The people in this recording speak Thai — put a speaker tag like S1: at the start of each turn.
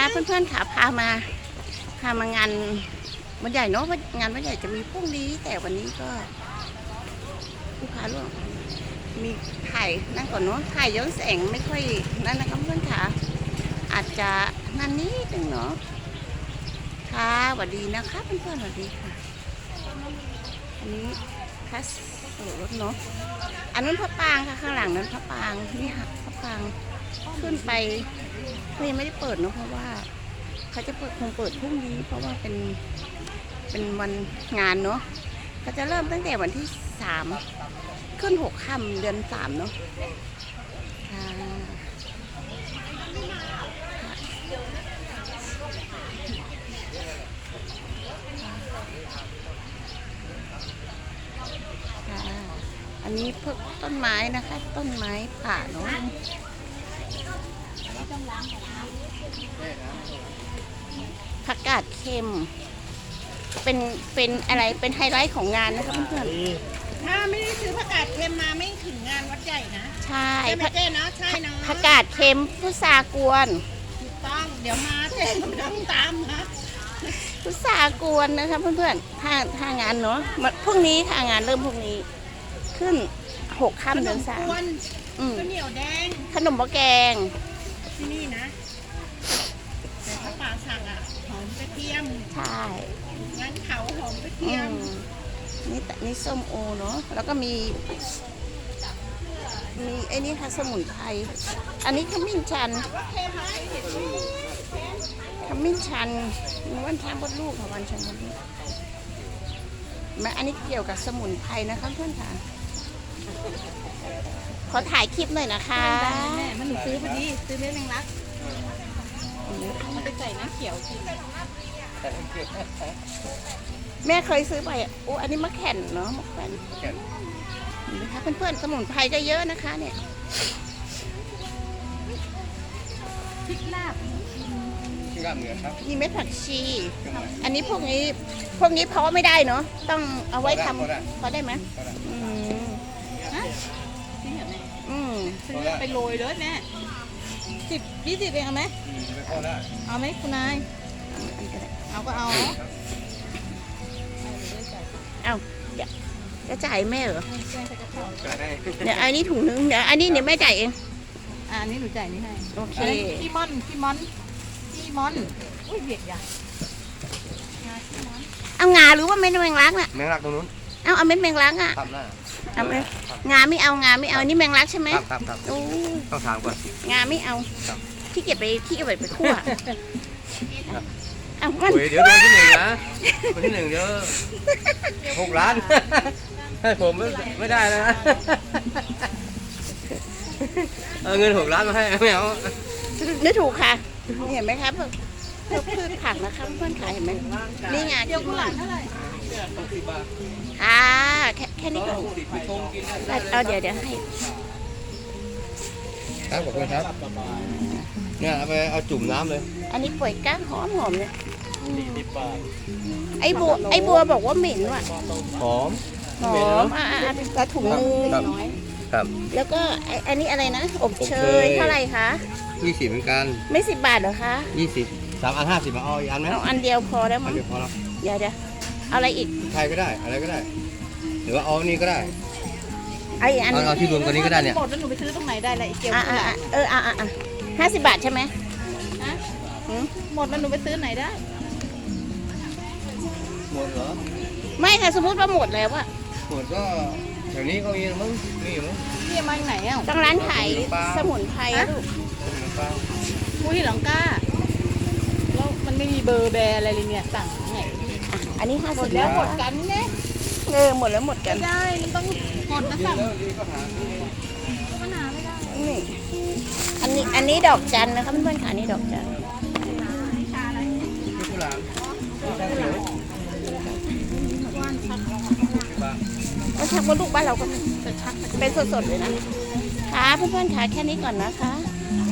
S1: เพื่อนๆค่ะพามางานวันใหญ่เนาะงานวันใหญ่จะมีพรุ่งนี้แต่วันนี้ก็ลูกค้าร่วมมีถ่ายนั่งก่อนเนาะถ่ายย้อนแสงไม่ค่อยนั่นนะคะเพื่อนค่ะอาจจะนั่นนิดนึงเนาะค่ะสวัสดีนะคะเพื่อนๆสวัสดีค่ะอันนี้คัสรถเนาะอันนั้นพระปางค่ะข้างหลังนั้นพระปางนี่ค่ะพระปางขึ้นไปยังไม่ได้เปิดเนาะเพราะว่าเขาจะคงเปิดพรุ่งนี้เพราะว่าเป็นวันงานเนาะเขาจะเริ่มตั้งแต่วันที่3ขึ้น6 ค่ำเดือน3เนาะค่ะอันนี้พวกต้นไม้นะคะต้นไม้ป่าเนาะผักกาดเค็มเป็นอะไรเป็นไฮไลท์ของงานนะคะเพื่อน
S2: ๆถ้าไม่ได้ซื้อผักกาดเค็มมาไม่ถึงงานวัดใหญ่นะ
S1: ใช่
S2: เจ๊เนาะใช่เนาะ
S1: ผักกาดเค็มพุทรากวน
S2: ถูกต้องเดี๋ยวมาเจ๊ต้องตามนะ
S1: พุทรากวนนะคะเพื่อนๆถ้างานเนาะพรุ่งนี้ค่ะงานเริ่มพรุ่งนี้ขึ้น6 ค่ำเดือน3
S2: ข้าวเหนียวแดง
S1: ขนมหม้อแกง
S2: ที่นี่นะแต่ถ้าป่าสั่งอ่ะหอมกระเทียม
S1: ใช่
S2: งั้นเขาหอมกระเทียม
S1: นี่ส้มโอเนาะแล้วก็มีไอ้นี่ค่ะสมุนไพรอันนี้ขมิ้นชันขมิ้นชันวันช้างบนลูกค่ะวันช้างบนลูกอันนี้เกี่ยวกับสมุนไพรนะคะเพื่อนค่ะขอถ่ายคลิปหน่อยนะคะ
S2: แม่มันหนูซื้อพอดีซื้อเม็ดแมงลักมันไปใส่น้ำเขียวกิน
S1: แม่เคยซื้อไปโอ้อันนี้มะแข่นเนาะมะแข่นนะคะเพื่อนๆสมุนไพรก็เยอะนะคะเนี่ย
S2: พริกลาบ
S3: เหนือครับ
S1: มีเม็ดผักชีอันนี้พวกนี้เพาะไม่ได้เนาะต้องเอาไว้ทำเพาะได้ไหม
S2: ซื้อไปโรยเลยแม่10-20เองเอาไหมเอาไหมคุณนายเอาก็เอา
S1: จะจ่ายแม่เหรอเดี๋ยวอันนี้ถุงนึงเดี๋ยวอันนี้แม่จ่ายเอง
S2: อันนี้หนูจ่ายนี่ให้
S1: โอเค
S2: พี่มอนอุ้ยเบียดอย่าง
S1: เอางาหรือว่าเม็ดแมงลักน่ะ
S3: แมงลักตรงนู้น
S1: เอาเม็ดแมงลักอ่ะเอาไหมงาไม่เอานี่แมงลักใช่ไหม
S3: ครับ
S1: โอ้
S3: ต้องถามก่อน
S1: งาไม่เอาที่เก็บไปคั่วเอามัน
S3: เดี๋ยวโดนที่1นะคนที่1เดี๋ยว6 ล้านให้ผมไม่ได้นะเอาเงิน6 ล้านมาให้ไม่เอา
S1: นึกถูกค่ะเห็นไหมครับพืชผักนะคะเพื่อนขายเห็นไหมนี่งาน
S2: เดี๋ยวกุหลาบเท่าไหร่
S1: ค่ะแค่นี้ก็เอาเดี๋ยวให้
S3: ครับขอบคุณครับเนี่ยเอาจุ่มน้ำเลย
S1: อันนี้ป่วยก้างหอมเนี่ยไอ้บัวบอกว่าเหม็นว่ะ
S3: หอม
S1: แต่ถุงนึง
S3: ครับ
S1: แล้วก็อันนี้อะไรนะอบเชยเท่าไหร่คะ
S3: 20เหมือนกัน
S1: ไม่10 บาทเหรอคะ
S3: 20 3 อัน 50มาเอาอีกอันไหม
S1: เอาอันเดียวพอแล้วมั้ง
S3: เดียวพอแล้ว
S1: เดี๋ยวอะไรอีก
S3: ไทยก็ได้อะไรก็ได้หรือว่าเอานี่ก็ได้
S1: เอา
S3: ที่รวมตัวนี้ก็ได้เนี่ย
S2: หมดแล้วหนูไปซื้อตรงไหนได้ละอีกเกี่ยว
S1: 50 บาทใช่ไหม
S2: หมดแล้วหนูไปซื้อไหนได้
S3: หมดเหรอ
S1: ไม่ค่ะสมมติว่าหมดแล้วอะ
S3: หมดก็แถวนี้เขามีมั้งนี่มั้ง
S2: นี่มาจากไหนอ่ะ
S1: ต้องร้านขายสมุนไพรลูก
S2: ผู้ที่หลังก้าแล้วมันไม่มีเบอร์แบร์อะไรเลยเนี่ยสั่งไง
S1: อันนี้
S2: 50หมดแล้วหมดกันเนี่ย
S1: หมดแล้วหมดกัน
S2: ไม่ได้มันต้องหมดนะสั่งปัญหาไม่ได้
S1: นี่อันนี้ดอกจันนะคะเพื่อนๆค่ะนี่ดอกจันก็ชักว่าลูกบ้านเราก็เป็นสดๆเลยนะค่ะเพื่อนๆค่ะแค่นี้ก่อนนะคะ